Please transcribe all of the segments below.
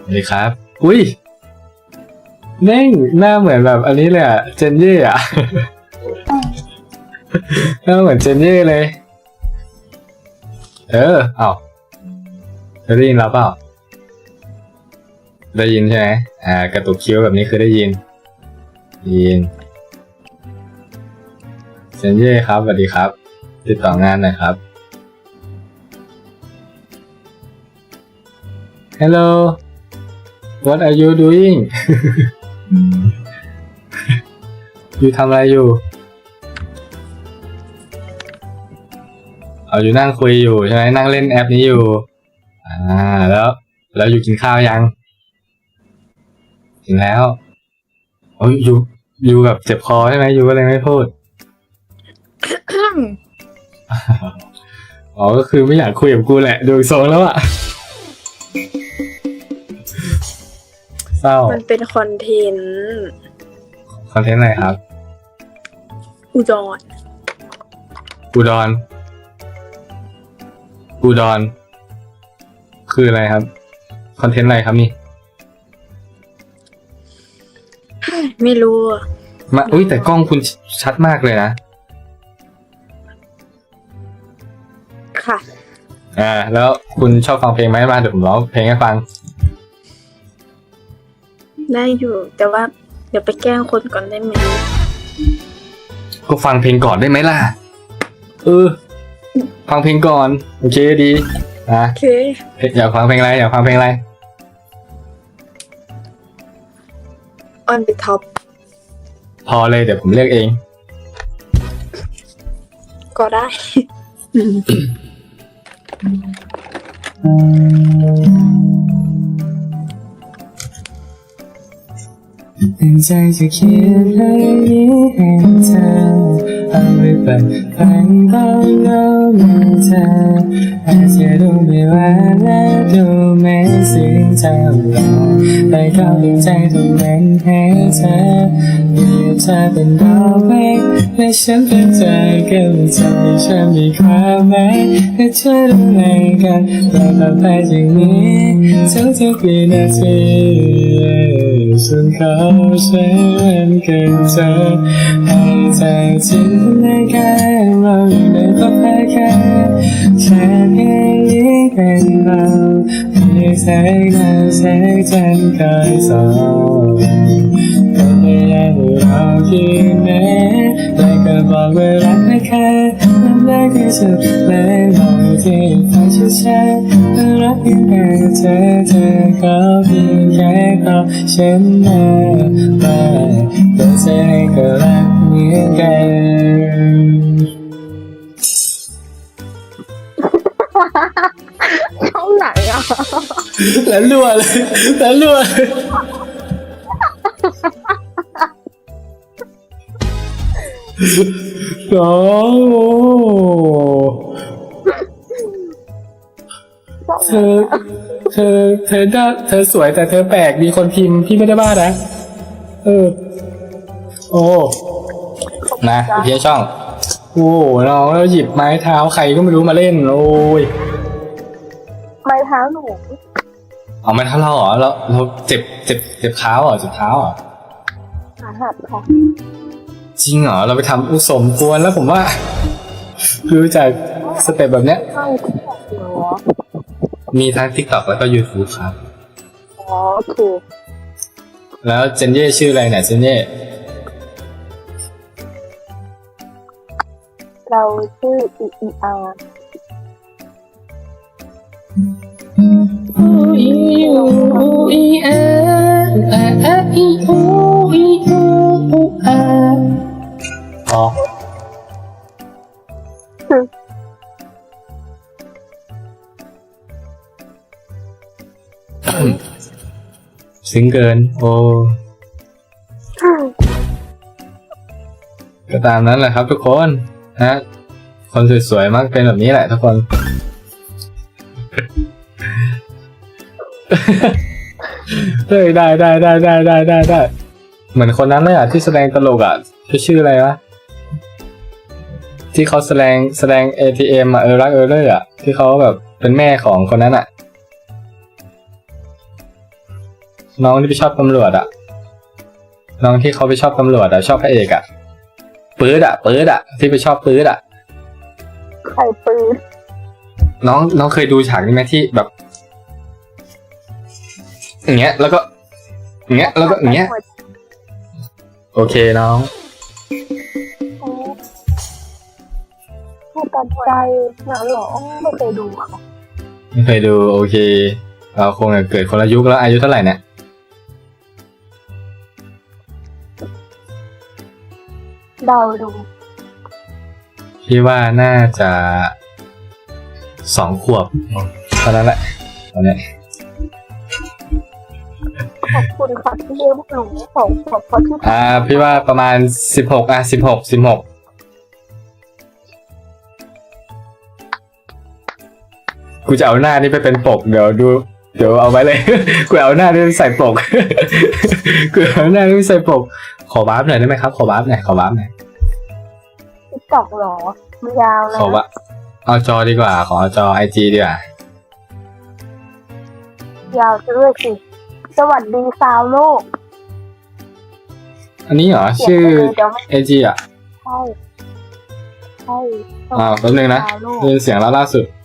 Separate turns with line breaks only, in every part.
สวัสดีครับอุ้ยแม่งหน้าเหมือนแบบอันนี้เลยอะเจนเย่อะ หน้าเหมือนเจนเย่เลยเอ้าได้ยินเราเปล่าได้ยินใช่ไหมกระตุกคิ้วแบบนี้คือได้ยินเจนเย่ครับสวัสดีครับติดต่องานหน่อยครับ Hello What are you doing อยู่ทำอะไรอยู่อยู่นั่งคุยอยู่ใช่ไหมนั่งเล่นแอปนี้อยู่แล้วอยู่กินข้าวยังกินแล้วอยู่แบบเจ็บคอใช่ไหมอยู่ก็เลยไม่พูด ก็คือไม่อยากคุยกับกูแหละดูทรงแล้วอะเศร้า
มันเป็นคอนเทนต์
อะไรครับ
อุดร
คืออะไรครับคอนเทนต์อะไรครับนี่
ไม่รู้
อุ้ยแต่กล้องคุณชัดมากเลยนะ
ค่ะ
แล้วคุณชอบฟังเพลงไหมมาเดี๋ยวผมร้องเพลงให้ฟัง
ได้อยู่แต่ว่าเดี๋ยวไปแกล้งคนก่อนได้ไหม
ก็ฟังเพลงก่อนได้ไหมล่ะฟังเพลงก่อนโอเคดี
โอเค
อยากฟังเพลงอะไร
On the top
พอเลยเดี๋ยวผมเลือกเอง
ก็ได้
ตั้งใจจะเขียนเพลงนี้ให้เธอเอาไปเปิดฟังตอนเงาเมื่อเธออาจจะดูไม่หวานและดูไม่ซึ้งเท่าไรแต่ก็ตั้งใจทำมันให้เธอเปรียบเธอเป็นดอกไม้และฉันเป็นเธอก็เลยทำให้ฉันมีความหมายและเธอดูแลกันและต่อไปจากนี้ทุกๆวินาทีฉันขอใช้มันเกินเธอให้ใจจินตนาการเราอยู่ในภพแค่แค่เพียงนี้เป็นเราเพียงแสงดาวแสงจันทร์คอยส่องก็ไม่อยากให้เราคิดแม้แต่ก็บอกว่ารักนะคะมันรักที่สุดเลยบอกที่ฟังช้าๆรักเพียงแค่เธอก็เพียงแค่ขอฉันมาแต่เธอให้ก็รักเหมือนกัน
ช่องไหนอ่ะ
แล้วรัวเลยโอ้เธอสวยแต่เธอแปลกมีคนพิมพ์พี่ไม่ได้บ้านะนะเพียช่องน้องแล้วหยิบไม้เท้าใครก็ไม่รู้มาเล่นโอ้ย
ไม้เท้าหนู
เอาไม้เท้าเราเหรอเราเจ็บเท้าเหรอ
ขาหักค่ะ
จริงเหรอเราไปทำสมควรแล้วผมว่าคือจากสเต็ปแบบเนี้ยมีทั้ง TikTok แล้วก็ YouTube ครับ
ถูก
แล้วเจนเย่ชื่ออะไรเนี่ยเจนเย่
เราชื่อEER
ซึ้งเกินก็ตามนั้นแหละครับทุกคนนะคนสวยๆมักเป็นแบบนี้แหละทุกคนเฮ้ยได้เหมือนคนนั้นเลยที่แสดงตลกชื่ออะไรวะที่เขาแสดง ATM รักเลยที่เขาแบบเป็นแม่ของคนนั้นน้องที่ไปชอบตำรวจอะน้องที่เขาไปชอบตำรวจอะชอบพระเอกอะปื๊ดอะที่ไปชอบปื๊ดอะ
ใครปืน
น้องเคยดูฉากนี้ไหมที่แบบอย่างเงี้ยแล้วก็อย่างเงี้ยแล้วก็อย่างเงี้ยโอเคน้อง
ผู้ตัดใจหนังหรอไม่เคยดูค่ะ
ไม่เคยดูโอเคเราคงจะเกิดคนละยุคแล้วอายุเท่าไหร่เนี่ย
เดาดู
พี่ว่าน่าจะ2 ขวบเท่านั้นแหละตอนเนี้ย
ขอบคุณค่ะที่เลี้ยงหนู2 ขวบเพราะที่
พี่ว่าประมาณ1616กูจะเอาหน้านี่ไปเป็นปกเดี๋ยวเอาไว้เลย กูเอาหน้านี่ไปใส่ปก กูเอาหน้านี่ไปใส่ปกขอวาร์ปหน่อยได้ไหมครับขอวาร์ปหน่อย
ติ๊กต็อกหรอมันยาวนะ
ขอว่าเอาจอดีกว่าขอเอาจอ IG ดีกว่าย
าวซะด้วยสิสวัสดีสาวโลก
อันนี้เหรอชื่อ
เดี๋ยวไม่
IG อ่ะ
ใช่ใช่
แป๊บนึงนะ
สาวโลก
ได้ยินเสียงแล้วล่าสุด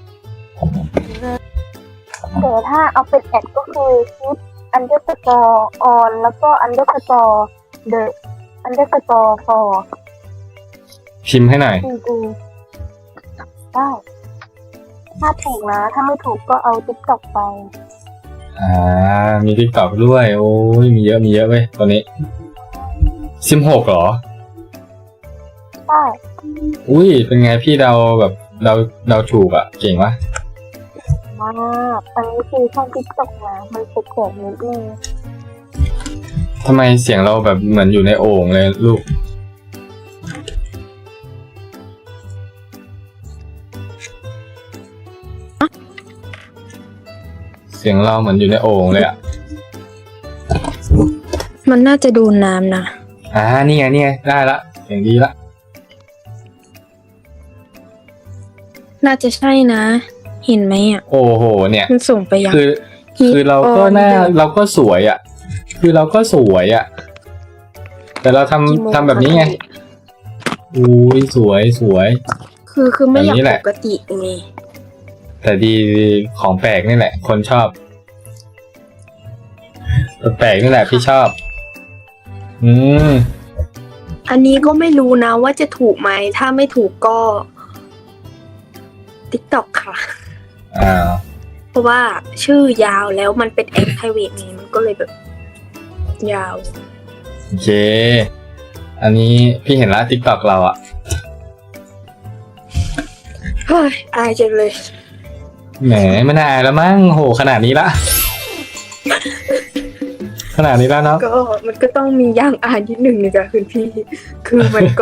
แต่ถ้าเอาเป็นแอดก็คือชุด_on แล้วก็_the for
พิมพ์ให้หน่อย
จริงๆได้ถ้าถูกนะ ถ้าไม่ถูกก็เอาติ๊กต็อกไป
มี TikTok ด้วยโอ้ยมีเยอะเว้ยตัวนี้16เหรอ
ใช่
อุ้ยเป็นไงพี่เดาแบบเดาถูกอ่ะเก่งวะ
มากอันนี้คือช่องติ๊กต็อกนะมันแปลกๆนิดนึง
ทำไมเสียงเราแบบเหมือนอยู่ในโอ่งเลยลูกเสียงเราเหมือนอยู่ในโอ่งเลยอ่ะ
มันน่าจะดูน้ำนะ
นี่ไงได้ละเสียงดีละ
น่าจะใช่นะ เห็นไหมอ่ะ
โอ้โหเนี่ย
มันส่งไปยัง
คือเราก็เราก็สวยอ่ะคือเราก็สวยอ่ะแต่เราทำแบบนี้ไงอุ้ยสวย
คือไม่อยาก
แบบนี้แหละ
ปกติไง
แต่ดีของแปลกนี่แหละ คนชอบแปลกนี่แหละพี่ชอบ
อันนี้ก็ไม่รู้นะว่าจะถูกไหมถ้าไม่ถูกก็ติ๊กต็อกค่ะ เพราะว่าชื่อยาวแล้วมันเป็นแอคไพรเวทไงมันก็เลยแบบ ยาว
โอเคอันนี้พี่เห็นแล้ว TikTok เราอ่ะ
เฮ้ยอายจังเลย
แหมไม่น่าอายแล้วมั้งโหขนาดนี้ละ ขนาดนี้แล้วเนาะ
ก็มันก็ต้องมีย่างอายนิดหนึ่งนะจ๊ะคุณพี่ คือมันก็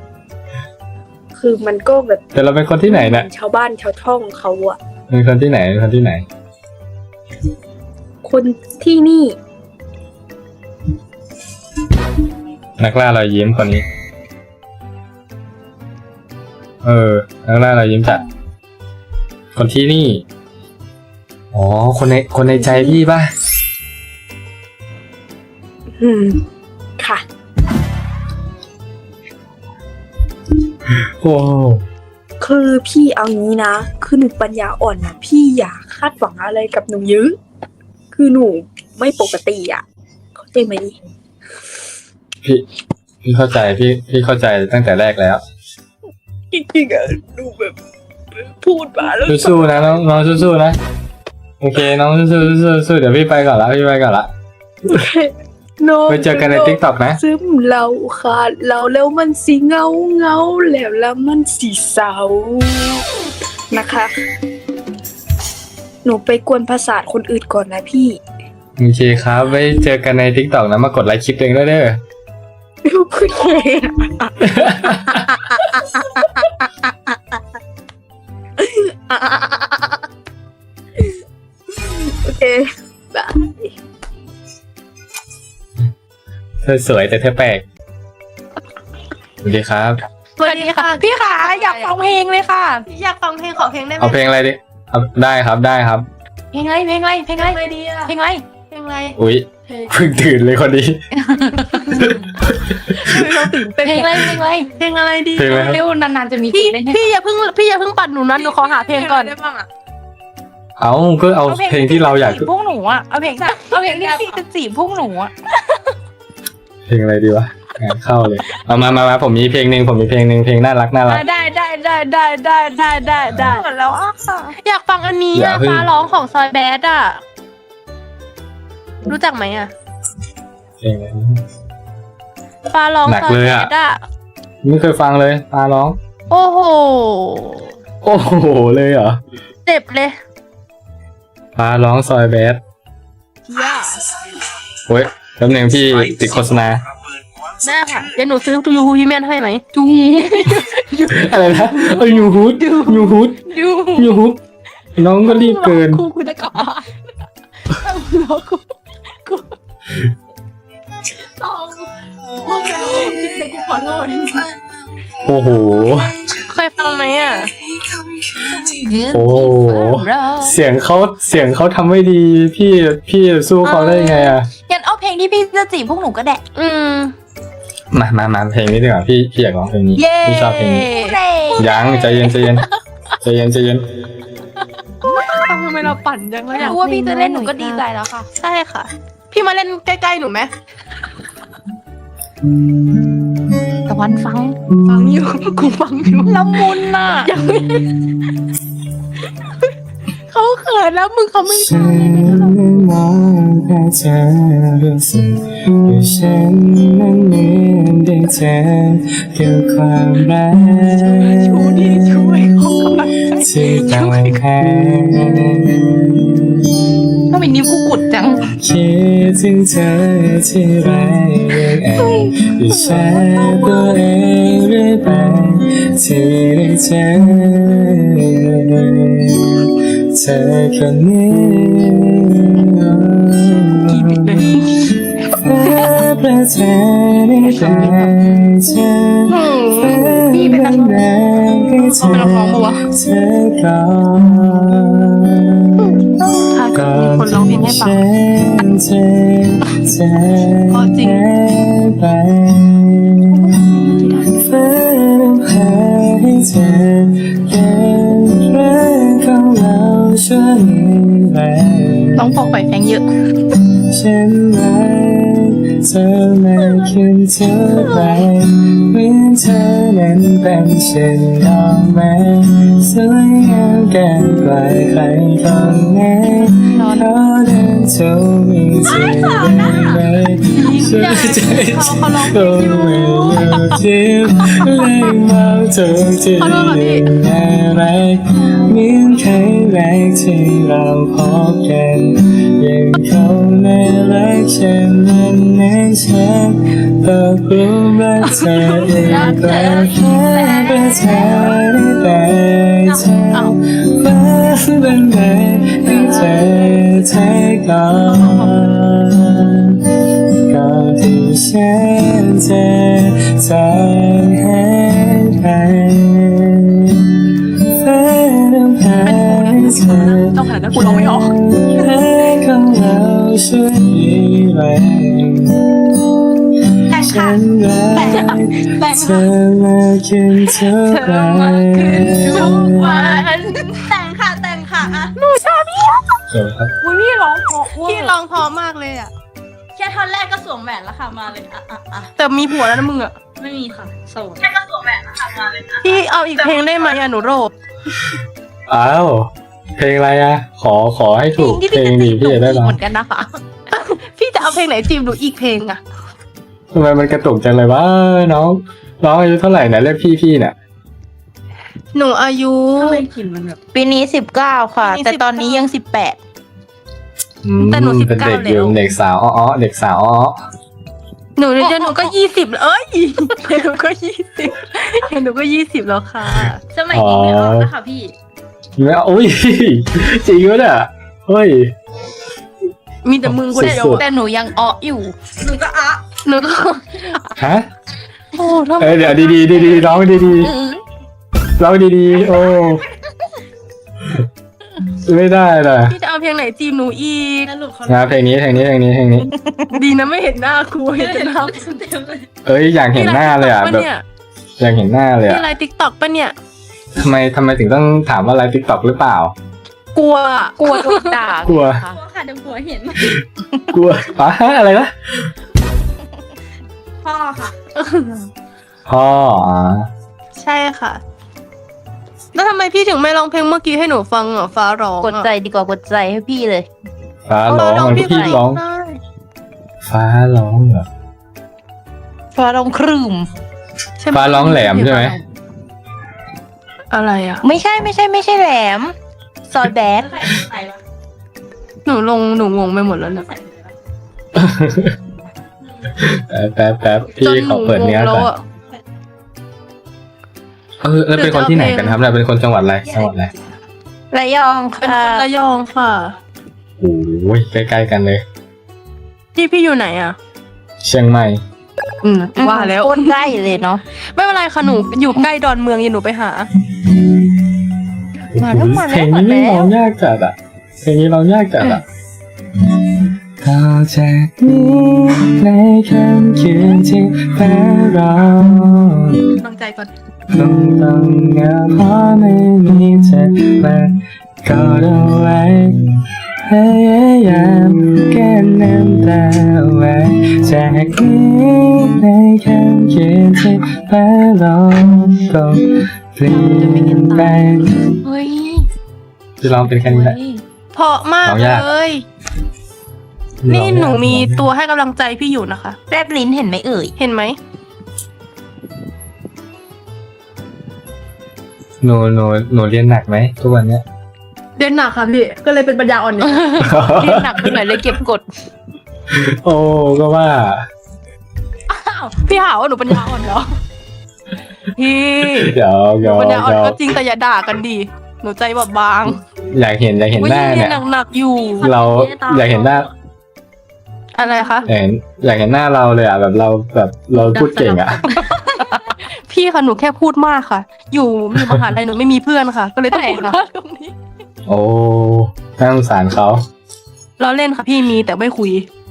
แบบ
แต่เราเป็นคนที่ไหนเนี่ย
ชาวบ้านชาวช่องเขาอะ
เป็นคนที่ไหน
คนที่นี่
นักล่ารอยยิ้มคนนี้นักล่ารอยยิ้มจัดคนที่นี่อ๋อคนในใจพี่ป่ะ
ค่ะ
โอ้
คือพี่เอางี้นะคือหนูปัญญาอ่อนนะพี่อย่าคาดหวังอะไรกับหนูเยอะคือหนูไม่ปกติอ่ะเข้าใจไหม
พี่เข้าใจพี่เข้าใจตั้งแต่แรกแล้ว
จริงๆอ่ะดูแบบพูดมาแล้ว
สู้ๆนะน้องสู้ๆนะโอเคน้องสู้ๆเดี๋ยวพี่ไปก่อนละไปเจอกันใน TikTok นะ
ซึมเราขาดเราแล้วมันสีเงาแล้วมันสีเศร้านะคะ หนูไปกวนประสาทคนอื่นก่อนนะพี่
โอเคครับไว้เจอกันใน TikTok นะมากดไลค์คลิปเองด้วยเด้อ
โอเคโอเคบาย
เธอสวยแต่เธอแปลกสวัสดีครับ
สวัสดีค่ะพี่ขาอยากฟังเพลงเลยค่ะอยากฟังเพลงขอเพลงได้ไหม
เอาเพลงอะไรดิได้ครับ
เพลงอะไรดีอะเพลงอะไรลงอะไร
อุ๊ยเพิ่งตื่นเลยคนนี้
เราตื่นเต้นเพลงอะไรเพลงอะไรดี
เพลงอะไรครับ
เร็วนานๆจะมี
พี่
เล่น
พี่อย่าเพิ่งปัดหนูนะหนูขอหาเพลงก่อน
ได้บ้างอะ
เอาก็เอาเพลงที่เราอยาก
พวกหนูอะเอาเพลงที่พี่จะจีบพวกหนูอะ
เพลงอะไรดีวะงานเข้าเลยเอามาผมมีเพลงหนึ่งเพลงน่ารัก
ได้
หมดแล้วอ่ะอยากฟังอันนี้
อย่า
อะ
เพิ่ง
ฟ้าร้องของซอยแบดอ่ะรู้จักไหมอ่ะ
เพลงอะไร
ฟ้าร้อง
หนัก
ซอย
เลย
แบ
อะ
ดอ่ะ
ไม่เคยฟังเลยตาร้อง
โอ้โห
โอ้โหเลยเหรอ
เจ็บเลย
ฟ้าร้องซอยแบดเว้ยแป๊บนึงพี่ติดโฆษณา
แม่ค่ะเดี๋ยวหนูซื้อยูฮูพี่แมนให้ไหม
อะไรนะยูฮูดน้องก็รีบเกิน
ครูคุณจะกลับบ้านรอครูต้องโอ้ยเด็กกูขอโทษ
โอ้โห
เคยฟังไหมอ่ะ
โอ้โหเสียงเขาทำไม่ดีพี่สู้เขาได้ไงอ่ะ
งั้นเอาเพลงที่พี่จะจีบพวกหนูก็ได้
มาเพลงนี้ดีกว่าพี่อยากร้องเพลงนี้
เย้
พี่ชอบเพลงนี้ยังใจเย็น
ทำไมเราปั่นจังเลย
รู้ว่าพี่จะเล่นหนูก็ดีใจแล้วค่ะ
ใช่ค่ะ พี่มาเล่นใกล้ๆหนูไหม
แต่วันฟัง
ฟังอยู่กูฟังอยู่
ละมุนน่ะ
ยังไม่เขาเขินแล้วมึงเขาไม่
ฉันนั้นมองแค่เธอรู้สึกว่าฉันนั้นเหมือนได้เจอเกี่ยวความรัก
ชูดีช่วยเขากำลังใจ
ที่ต้องแพ้
ก็มีนิ้วกูกุดจัง
คิดถึงเธอที่ไรยังแอบอิจฉาตัวเองเรื่อยไปที่ได้เจอเธอคนนี้ประเทศในใจเธอเป็นแรงให้เธอก่อน
ถ้าเกิดมีคนร้องเพลงให้ฟัง
พอจริงไปฟ้าต้องหาให้เธอเป็นรักของเราช่วยไป
ต้องพกไปแฟงเยอะ
ฉันรักเธอมากขึ้นเท่าไรเหมือนเธอนั้นเป็นเช่นดอกไม้สวยงามเกินกว่าใครคนไหนเขาเดินชมมีเธอได้ไหมช่วยใจตรงไม่อยู่ที่เล่นมองทุกที่ยังน่ารักเหมือนครั้งแรกที่เราพบกันยังคงน่ารักฉันนั้นฉันตกหลุมรักเธออีกแล้วแค่ประเธอได้แต่เธอฟ้าเป็นไงให้เธอเทก่อนก่อนที่ฉันจะจากให้ไปฟ้าต้องหาให้เธอ
ต้องขนาดนั้นกูร้องไม่ออก
ของเราช่วยยิ้มแรงฉันรักเธอมากขึ้นเท่าไร
ทุกวัน
แต่งค่ะอ่ะ
เออครับ
อุ้ยพี่ร้องเพราะ
พี่ร้องเพอมากเลยอ่ะ
แค่ท่อนแรกก็สวมแหวนแล้วค่ะมาเลยอ่ะ
แต่มีผัวแล้วนะมึงอ่ะ
ไม่มีค่ะโสด
พี่เอาอีกเพลงได้ไหมอะหนูโรบ
อ้าวเพลงอะไรอะขอให้ถูกเพลงดีพี่จะได้ร้อง
เหมือนกันนะคะ
พี่จะเอาเพลงไหนจีบหนูอีกเพลงอ่ะ
ทำไมมันกระตุกจังเลยวะน้องอายุเท่าไหร่นะเรียกพี่เนี่ย
หนูอายุ
ทำไมกลิ่นมันแบบ
ปีนี้19ค่ะ แต่ตอนนี้ยัง18แต่หนู
เป็นเด็ก
19
อยู่
แล้ว
เด็กสาวอ้อเด็กสาวอ้อ
หนูเดี๋ยวหนูก็20แล้วเอ้ยเดี๋ยวหนูก็20เดี๋ยวหนูก็20แล้วค่ะ
สมัยนี้ไม่ออกแล้วค่ะพี่
ไม่เอาอุ้ย จริงวะเนี่ยเฮ้ย
มีแต่มึงคนเดียว
สุดๆ
แต่หนูยังอ้ออยู่
หนูก็
ฮะ
โอ้ทำไม
เดี๋ยวดีร้องดีๆร้องดีๆโอ้ไม่ได้เลย
พี่จะเอาเพลงไหนจีบหนูอีก
สรุปเขา
นะเพลงนี้
ดีนะไม่เห็นหน้าครูเห็นแต่หน้า
เต็มเลย
เอ้ยอยากเห็นหน้าเลยอ่ะแบบอยากเห็นหน้าเลย
พี่
อ่ะ
ไลน์ติ๊กต็อกปะเนี่ย
ทำไมถึงต้องถามว่าไลฟ์ติ๊กต็อกหรือเปล่า
กลัว
กลัวโดนด่าก
ลัว
ค่ะค่ะเดี๋ยวหัวเห็น
กลัวอะไรนะ
พ่อค่ะ
พ่อ
ใช่ค่ะ แล้วทำไมพี่ถึงไม่ร้องเพลงเมื่อกี้ให้หนูฟังอ่ะฟ้าร้อง
กดใจดีกว่ากดใจให้พี่เลย
ฟ้าร้องมันก็พี่ร้อง
ได้
ฟ้าร้องเหรอ
ฟ้าร้องครึม
ใช่ไหม
ฟ้าร้องแหลมใช่ไหม
อะไรอ่ะ
ไม่ใช่แหลม ซอยแบด
หนูงงไปหมดแล้วเนี่ย
แป๊บพี่ขอเปิดเนื้อก่อนแล้วเป็นคนที่ไหนกันครับเนี่ยเป็นคนจังหวัดอะไร
ระยอง
เป็น
ค่ะ
คนระยองค่ะ
โอ้ยใกล้ๆกันเลย
พี่อยู่ไหนอ่ะ
เชียงใหม่
ว่าแล้ว
โคตรใกล้เลยเนาะ
ไม่เป็นไรค่ะหนูอยู่ใกล้ดอนเมืองอย่าหนูไปหา
มาแล้ว
เพลงนี้ร้องยากจัดอ่ะต่อจากนี้ในค่ำคืนที่ฟ้าร้อง
ตั้งใจก่อน
คงต้องเหงาเพราะไม่มีเธอมากอดเอาไว้พยายามแก้น้ำตาไว้จากนี้ในค่ำคืนที่ฟ้าร้องก็เปลี่ยนไป
เฮ้ย
จะลองเป็นแค่นี้แหละ
เพราะมาก
ร้องยาก
เลย นี่หนูมีตัวให้กำลังใจพี่อยู่นะคะ
แรบลิ้นเห็นไหมเอ่ย
เห็นไหม
หนูเรียนหนักไหมทุกวันเนี้ย
เรียนหนักค่ะพี่ ก็เลยเป็นปัญญาอ่อนเนี่ย
เรียนหนักไปหน่อยเลยเก็บกด
โอ้ก็ว่า
พี่หาว่าหนูปัญญาอ่อนเหรอ พี่
เดี๋ยว
ปัญญาอ่อนก็จริงแต่อย่าด่ากันดีหนูใจแบบบาง
อยากเห็นหน้า
อุ๊
เนี่ย
หนักๆอยู่
เราอยากเห็นหน้า
อะไรคะ
อยากเห็นหน้าเราเลยอ่ะแบบเราพูดเก่งอ่ะ
พี่ค่ะหนูแค่พูดมากค่ะ อยู่มีมหาลัยหนูไม่มีเพื่อนค่ะ ก็เลยต้องพูดมากตรงนี้
โอ้น่าสงสารเขา
เราเล่นค่ะพี่มีแต่ไม่คุย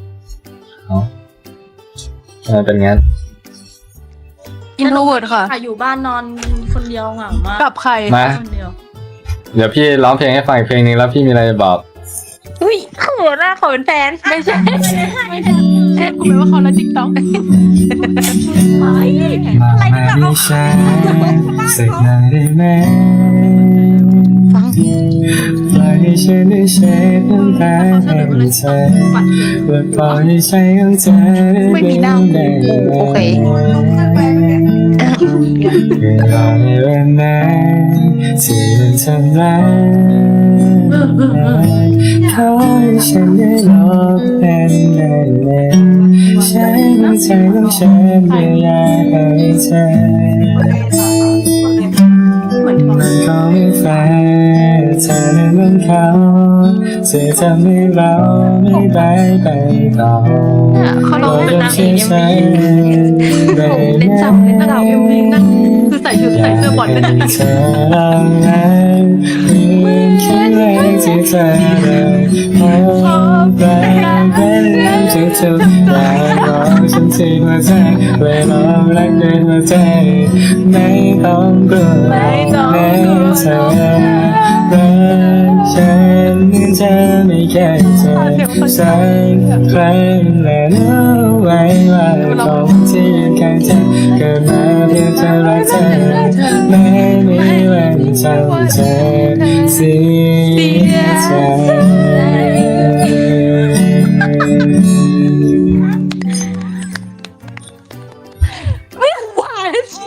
เป็นงั้น
อินโทรเวิร์ดค่ะ
อยู่บ้านนอนคนเดียวเหงามาก
กับใคร
มา
คนเดียว
เดี๋ยวพี่ร้องเพลงให้ฟังอีกเพลงนึงแล้วพี่มีอะไรจะบอก
อุ้ยเขินอะขอเป็นแฟน
ไม่ใช่แค่คุณแปลว่าเขาไลฟ์ติ๊กต็อก
มาไม่ใช่สักหน่อยได้ไหม
ฟัง
ปล่อยให้ฉันได้เช็ดน้ำตาให้เธอและปล่อยให้ใจของเธอได้เดินได้
โอเค
คือรอในวันนั้นที่มันทำร้ายขอให้ฉันได้ลบเป็นได้เลยใช้หัวใจของฉันเยียวยาให้เธอมันก็ไม่แฟร์เธอนั้นมันเขาจะทำให้เราไม่ได้ไปต่อ
เขาลองเป็นนางเอก
ได้
เล่นจับเล่นจับเอ็มวีนั่นคือใส่ชุดใส่เสื้อบอลเป็นนางเอก
เธอลองไหมมีคิดแรกที่เธอเลยพบรักเป็นเรื่องทุกๆอย่างของฉันที่หัวใจเวลารักเดินหัวใจไม่ต้องกลัวแม้เธอรักฉันจะไม่แค่เธอสักครั้งและรู้ไว้ว่าคนที่ยืนข้างเธอเกิดมาเพื่อเธอรักเธอไม่มีวันจำเธอเสียใจ
หวานสิ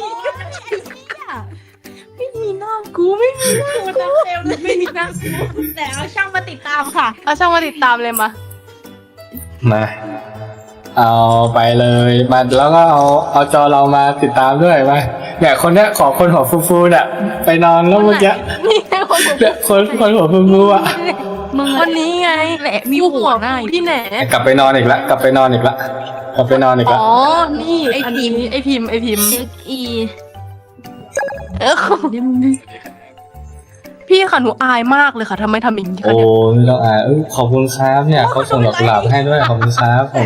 ไม่มีหน้ากูไม่มีหน้ากูไม่มีหน้ากู
แต่เอาช่างมาติดตามค่ะ
เอาช่างมาติดตามเลยมา
มาเอาไปเลยมาแล้วก็เอาจอเรามาติดตามด้วยมาเนี่ยคนเนี้ยขอคนหัวฟูๆเนี่ยไปนอนแล้วเมื่อกี้
นี่ไงคนหัว
เนี่ยคนหัวฟูๆอ่ะ
มึง
วันนี้ไง
แหละมี
กู
หั
หั
ว
ว
หน้า
กูที่ไหน
กลับไปนอนอีกละกลับไปนอนอีกละ
อ๋อ นี่ไอพิมพ์
เอ็กอี
นี่มึงดิพี่ค่ะหนูอายมากเลยค่ะทำไมทำอย่างนี้คะ
โอ้
เนี่ย
ไม่ต้องอายขอบคุณครับเนี่ยเขาส่งดอกกุหลาบให้ด้วยขอบคุณครับผม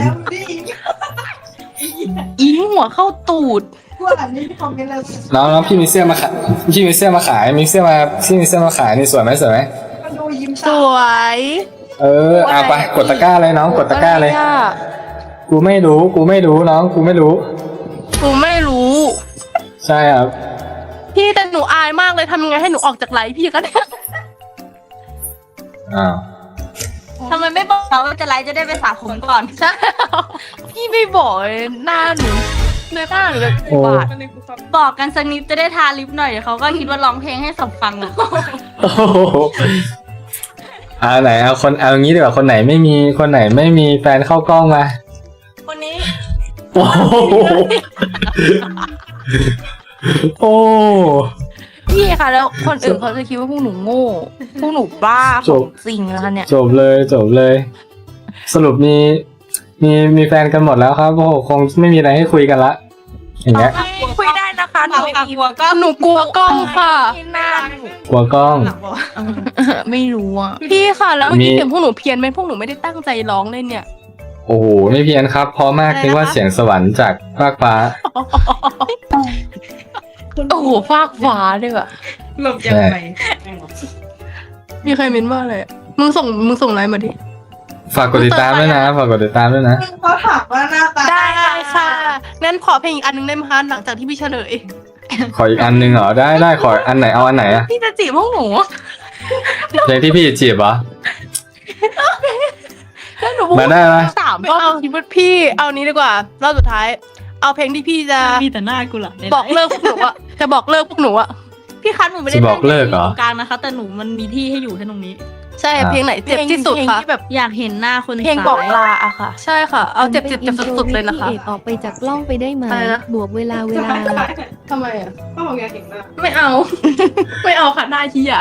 อิงหัวเข้าตูด
แล้วพี่มีเสื้อมาขายพี่มีเสื้อมาขายมีเสื้อมาขายนี่สวยไหมสวยไหม
สวย
เอาไปกดตะกร้าเลยน้องกดตะกร้าเลย
อะไรอะ
กูไม่รู้น้องกูไม่รู้
หนูไม่รู้
ใช่ครับ
พี่แต่หนูอายมากเลยทำยังไงให้หนูออกจากไลฟ์พี่กันเนี่ย
อ้าว
ทำไมไม่บอกเราว่าจะไลฟ์จะได้ไปสระผมก่อน
ใช่พี่ไม่บอกเลยหน้าหนูในหน้าหนูเลย
โอ้
บาด
บอกกันสักนิดจะได้ทาลิปหน่อยเดี๋ยวเขาก็คิดว่าร้องเพลงให้สับฟังอะ
โอ้โหไหนเอางี้ดีกว่าคนไหนไม่มีแฟนเข้ากล้องมา
คนนี้
โอ้โหโอ้
พี่ค่ะแล้วคนอื่นเขาจะคิดว่าพวกหนูโง่พวกหนูบ้าของจริงนะคะเนี่ย
จบเลย สรุปมีแฟนกันหมดแล้วครับโอ้โหคงไม่มีอะไรให้คุยกันละอย่างเงี้ย
คุยได้นะคะหนู
กลัวก็
หนูกลัวกล้องค่ะหน้าก
ลัวกล้อง
ไม่รู้อ่ะพี่ค่ะแล้วเมื่อกี้
มี
เสียงพวกหนูเพี้ยนไหมพวกหนูไม่ได้ตั้งใจร้องเลยเนี่ย
โอ้โหไม่เพี้ยนครับเพราะมากนึกว่าเสียงสวรรค์จากฟากฟ้า
โอ้โหฟากฟ้าด้วยว่ะ
หลบยังไง
มีใครเม้นว่าอะไรอะมึงส่งไลน์มาดิ
ฝากกดติดตามด้วยนะฝากกดติดตามด้วยนะ
เขาถามว่าหน้าตา
ได้ค่ะงั้นขอเพลงอีกอันหนึงได้ไหมคะหลังจากที่พี่เฉลย
ขออีกอันนึงเหรอได้ขออันไหนเอาอันไหนอะ
พี่จะจีบพวกหนู
เพลงที่พี่จีบเหรอ
แล้วหนู
มาได้ไหม
สามรอบคิดว่าพี่เอานี้ดีกว่ารอบสุดท้าย เอาเพลงที่พี่จะ
มีแต่หน้ากูเหรอ
บอกเลิกพวกหนูอะจะบอกเลิกพวกหนูอะ
พี่คัทหนูไม่ได้
จะบอกเลิกเหรอ
ตรงกลางนะคะ แต่หนูมันมีที่ให้อยู่แค่ตรงนี้
ใช่เพลงไหนเจ็บที่สุดคะแบบ
อยากเห็นหน้าคน
เพลงบอก
ซ้าย
ลาอะค่ะ ใช่ค่ะ เอาเจ็บสุดๆเลยนะคะ
พี่เอกออกไปจากกล้องไปได้ไหม
อะไรนะ
บวกเวลา
ทำไมอะ
เขาบอกอยากเห็นหน้า
ไม่เอา ไม่เอาค่ะหน้าชี้อะ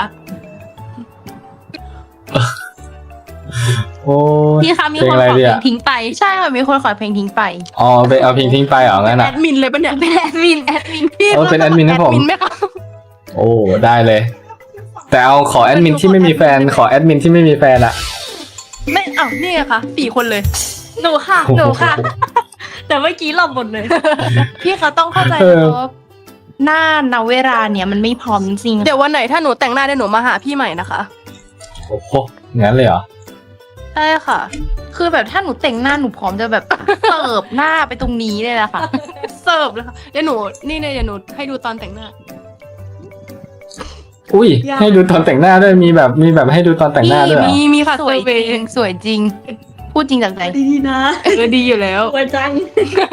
โอ้ย
พี่คะมี
เพล
ค
ง
น
อะไร
ขอ
ดี
เพล
อะ
งทิ้งไป
ใช่ค่ะมีคนขอเพลงทิ้งไป
อ๋อไปเอาเพลงทิ้งไปเหรองั้น
แอ
อะ
ดมินเลยปะเนี่ย
เป็นแอดมิน
พี่
โอ้เป็นแอดมินให้ผม
แอดมินไหมคะ
โอ้ได้เลย แต่เอาขอแอดมินที่ไม่มีแฟนขอแอดมินที่ไม่มีแฟนอะ
ไม่เอานี่ไงคะ4 คนเลย
หนูค่ะหนูค่ะ แต่เมื่อกี้หลบหมดเลย
พี่เขาต้องเข้าใจ
เออ
ว่าหน้าณเวลาเนี่ยมันไม่พร้อมจริงเดี๋ยววันไหนถ้าหนูแต่งหน้าเดี๋ยวหนูมาหาพี่ใหม่นะคะ
โอ้โหงั้นเลยเหรอ
ใช่ค่ะ คือแบบถ้าหนูแต่งหน้าหนูพร้อมจะแบบ เสิร์ฟหน้าไปตรงนี้เลยนะคะ เสิร์ฟเลยค่ะเดี๋ยวหนูนี่เลยเดี๋ยวหนูให้ดูตอนแต่งหน้า
อุ้ยให้ดูตอนแต่งหน้าด้วยมีแบบให้ดูตอนแต่งหน้าด้วยเหรอ
มีค่ะ
สวย
เซอร์เวย์สวยจริง พูดจริงจากใจ
ดีนะ
ดีอยู่แล้ว
สวยจัง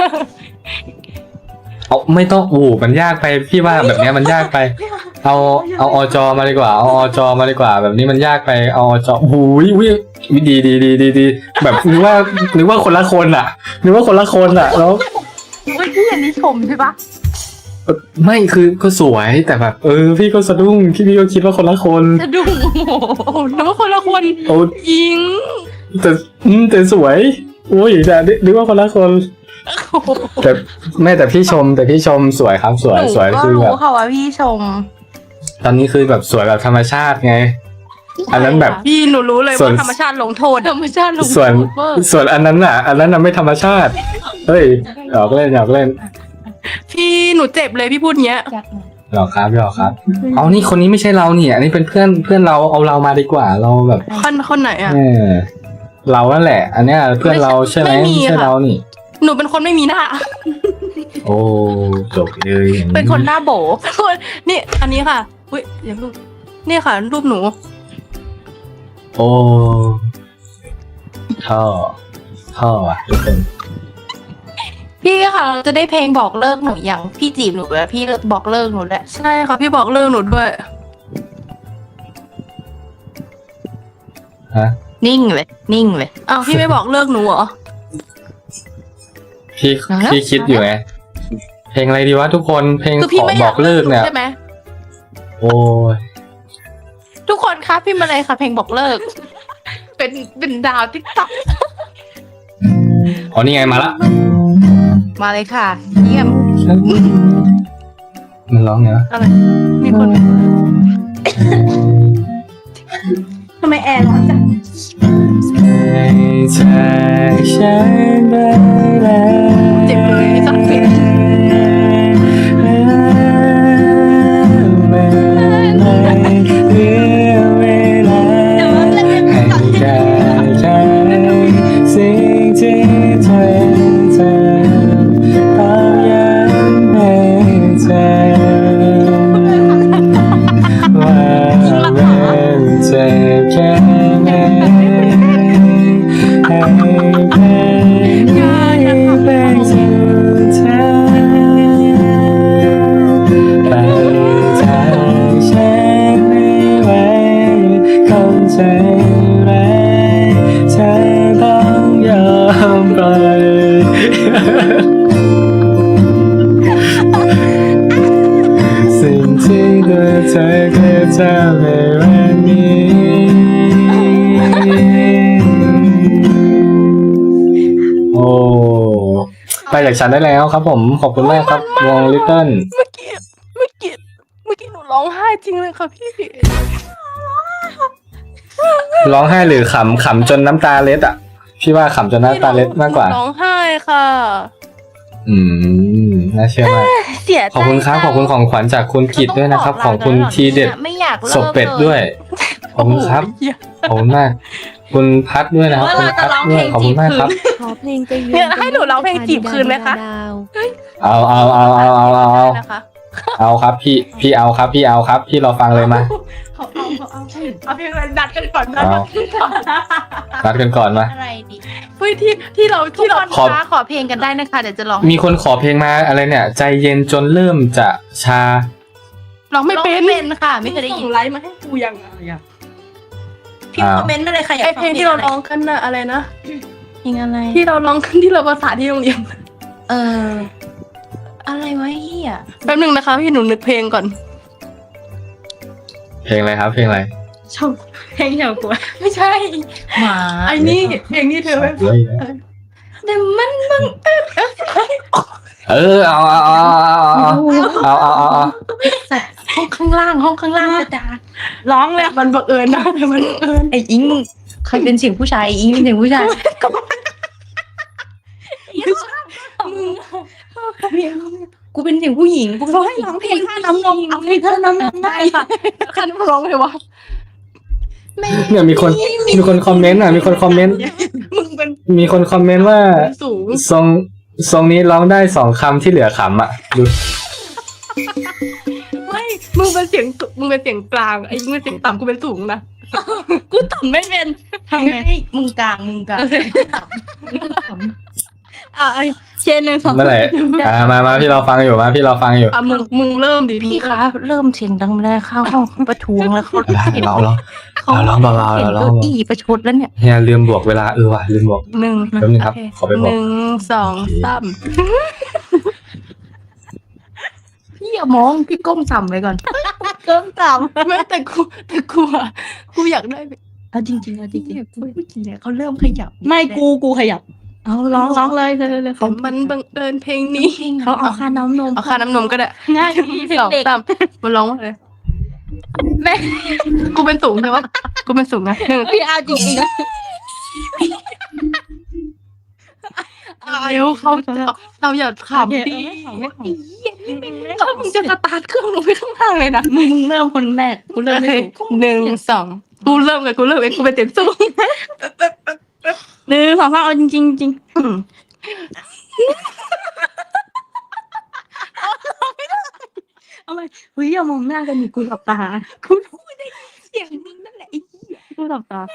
เอาไม่ต้องมันยากไปพี่ว่าแบบเนี้ยมันยากไป เอาอจมาดีกว่าเอาอจมาดีกว่า แบบนี้มันยากไปเอาอจอุ้ยดีแบบนึกว่าคนละคนอะนึกว่าคนละคนอะแล้ว
เฮ้ยพี่อันนี้ชมใช่ปะ
ไม่คือก็สวยแต่แบบพี่ก็สะดุ้งพี่ก็คิดว่าคนละคน
จะดูโอ้โหนึกว่าคนละคน
โอ้
ยิง
แต่สวยโอ้ยแต่นึกว่าคนละคนแต่ไม่แต่พี่ชมสวยครับสวย
หนู
สวย
ก็
คือ
รู้
แบบ
ค่ะว่าพี่ชม
ตอนนี้คือแบบสวยแบบธรรมชาติไง อันนั้นแบบ
พี่หนูรู้เลย
ส่วน
ว่าธรรมชาติลงโทษธรรมชาติลงโท
ส่วน
ษเวอร์
ส่วนอันนั้นน่ะไม่ธรรมชาติเฮ้ยหยอกเล่น
พี่หนูเจ็บเลยพี่พูดเงี้ย
หยอกครับเอานี่คนนี้ไม่ใช่เราเนี่ยอันนี้เป็นเพื่อนเราเอาเรามาดีกว่าเราแบบ
คนไหนอ่ะ
เรานั่นแหละ อันเนี้ยเพื่อนเราใช่ไหม
ไม่มี
ไม่ใช่
ค่ะ
เรานี่
หนูเป็นคนไม่มีหน้า
โอ้จบเลยอย่าง
เป็นคนหน้าโบเป็นคนนี่อันนี้ค่ะอุ้ยอย่ารูปนี่ค่ะ รูปหนู
โอ้ท่ออ่ะทุกคน
พี่ค่ะเราจะได้เพลงบอกเลิกหนูอย่างพี่จีบหนูแล้วพี่บอกเลิกหนูแหละใช่ค่ะพี่บอกเลิกหนูด้วย
ฮะ
นิ่งเลยอ้าวพี่ไม่บอกเลิกหนูเหรอ
พี่คิดอยู่ไงเพลงอะไรดีวะทุกคนเพลง
คือ
ข
พี่
อ
ไม่
บ
อยา
อกเลิกเนี่ย
ใช่ไหม
โอ้ย
ทุกคนคะพี่มาเลยค่ะ เพลงบอกเลิก เป็นดาวติ๊กต็อก
อ๋อนี่ไงมาละ
มาเลยค่ะเยี่ยม
มันร้องไงวะ
อะไรมีคน
ทำไมแอร์ร้อนจัง
ให้จากฉันไปแล้ว
เจ็บเลยไม่ต้องเปลี่ยน
เมื่อไหร่เหลือเวลาให้การใช้สิ่งที่เธอต้องย้ำให้เธอว่าเป็นเจ็บแค่ไหนให้เป็นสุดท้ายไปจากฉันไม่ไหวคนใจร้ายเธอต้องยอมปล่อยสิ่งที่ตัวเธอเคยทำในวันนี้โอ้ไปจากฉันได้แล้วครับผมขอบคุณมากครับวงลิตเติ้ล
เมื่อกี้หนูร้องไห้จริงเลยค่ะพี่
ร้องไห้หรือขำจนน้ำตาเล็ดอ่ะพี่ว่าขำจนน้ำตาเล็ดมากกว่า
ร้องไห้ค่ะ
น่าเชื่อมาก
เสียใจ
ขอบคุณครับขอบคุณของขวัญจากคุณกิตด้วยนะครับ ของคุณทีเด็ด
ไม่อยากเลิก
ศพเป็ดด้วยขอบคุณครับขอบคุณมาก คุณพัดด้วยนะครับคุณพัดด้วยขอบคุณมากครับ
ขอเพลงไปยื
เนี่ยให้หนูร้องเพลงจีบคืนไหมคะ
ดาว
เอา
นะคะ
เอาครับพี่เอาครับพี่เอาครับพี่รอฟังเลยมา
เอาเพียงดัดกันก่อนนะ
เอานัดกันก่อนมา
อะไรดีเฮ้ยที่เรา
ขอ
ขอเพลงกันได้นะคะเดี๋ยวจะร้อง
มีคนขอเพลงมาอะไรเนี่ย ใจเย็นจนเริ่มจะชา
ร้องไม่เป็นค่ะ ไม่เคยได้ยิน
ส่งไลน์มาให้กูยังไงอะ
พี่คอมเมนต์มาเลยค่ะอยาก
ไอ
ฟั
เพลงที่เราร้องกันน่ะอะไรนะ
เพลงอะไร
ที่เราร้องกันที่เราภาษาที่โรงเรียน
อะไรวะเฮีย
แป๊บนึงนะคะพี่หนูนึกเพลงก่อน
เพลงอะไรครับเพลงอะไร
ชอบเพลงเฉากัว
ไม่ใช่
หมา
ไอ้นี่เพลงนี้เธอไม่
แต่มัน
เอา
สัตว์ห้องข้างล่างกระดาษ
ร้องเลยมันบังเอิญนะแต่มันบังเอิญ
ไอ้อิงมึงใครเป็นเสียงผู้ชายไอ้อิงเป็นเสียงผู้ชาย กูเป็นเสียงผู้หญิงกูก็ให้ร้องเพลงท่าน้ำนมเอาเพลงท่าน้ำนมได้ค่ะ
คันร้องเลยวะ
เนี่ยมีคนคอมเมนต์อ่ะมีคนคอมเมนต์
มึงเป็น
มีคนคอมเมนต์ว่า
สูง
ทรงนี้ร้องได้2 คำที่เหลือขำอ่ะดู
ไม่มึงเป็นเสียงสูงมึงเป็นเสียงกลางไอ้มึงเป็นเสียงต่ำกูเป็นสูงนะ
กูต่ำไม่เป็นทำไงมึงกลางเชนหนึ่งสอง
เมื่อไหร่มาพี่เราฟังอยู่พี่เราฟังอยู่
อ่ะมึงเริ่มดิ
พี่คะเริ่มเสียงดังไม่ได้เข้าห้องประท้วงแล้วเขา
เราร้องเบาๆ
เห็น
เราร้
เก้า
อง
อี้ประชดแล้วเนี่ย
เฮียลืมบวกเวลาว่ะลืมบวก
หนึ่ง
แป๊บนึงครับขอไปบ
ห
วก
นึ่งสองสาม
พี่อย่ามองพี่ก้มต่ำไปก่อนก้มต่
ไม่แต่กูอ่ะกูอยากได้
ำเอาจริงๆเอาจริง
เนี่ยเขาเริ่มขยับ
ๆไม่กูขยับเอาร้องเลยเลย
แต่มันบังเอิญเพลงนี้
เขาเอาค่าน้ำนม
เอาค่าน้ำนมก็ได้
ง่ายดี
สอง
เด็ก
สามมันร้องว่าอะไร
แม่
กูเป็นสูงใช่ปะกูเป็นสูงนะหนึ่ง
พี่เอาจริงๆนะ
เร็วเขาเราอย่าขำดิถ้ามึงจะสตาร์ทเครื่องลงไปข้างล่างเลยนะ
มึงเริ่มคนแรกกูเริ่มไม่ถูก
หนึ่งสองกูเริ่มเองกูเป็นเต็มสูง
หนึ่งสองสามเอาจริงจริงเอาไปเฮ้ยอย่ามองหน้ากันดิกูหลับตากูพูดได้เสียงมึงนั่นแหละไอ้เหี้ยกูหลับตา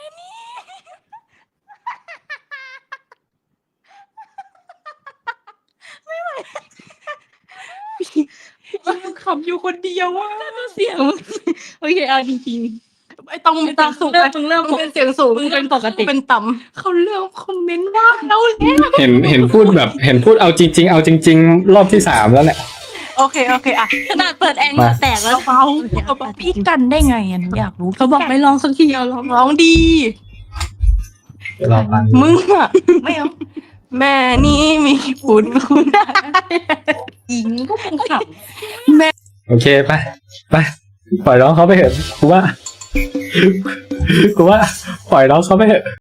ขำอยู่คนเดียวว่ะ
เสียงมึงโอเคเอาจริง
ไอ้ต้อง
ๆ
เป็นเสียงสูง
เริ่ม
เป็นเสียงสูง
มึงเป็นปกติ
เป็นต่ำเขาเริ่มคอมเมนต์ว่าเราแล้ว
เห็นพูดแบบเห็นพูดเอาจริงเอาจริงรอบที่3แล้วแหละ
โอเคอ่ะ
ขนาดเปิดแอร์เหงื่อแตกแล้ว
เบาพี่กันได้ไงอ่ะอยากรู้
เขาบอกไม่ลองสักทีเอาลอง
ร้องดี
รอฟัง
มึงอ่ะไม่เอาแม่นี่มีบุญคุณ
อิงก็คงขับ
โอเคไปปล่อยน้องเขาไปเถอะกูว่าปล่อยน้องเขาไปเถอะ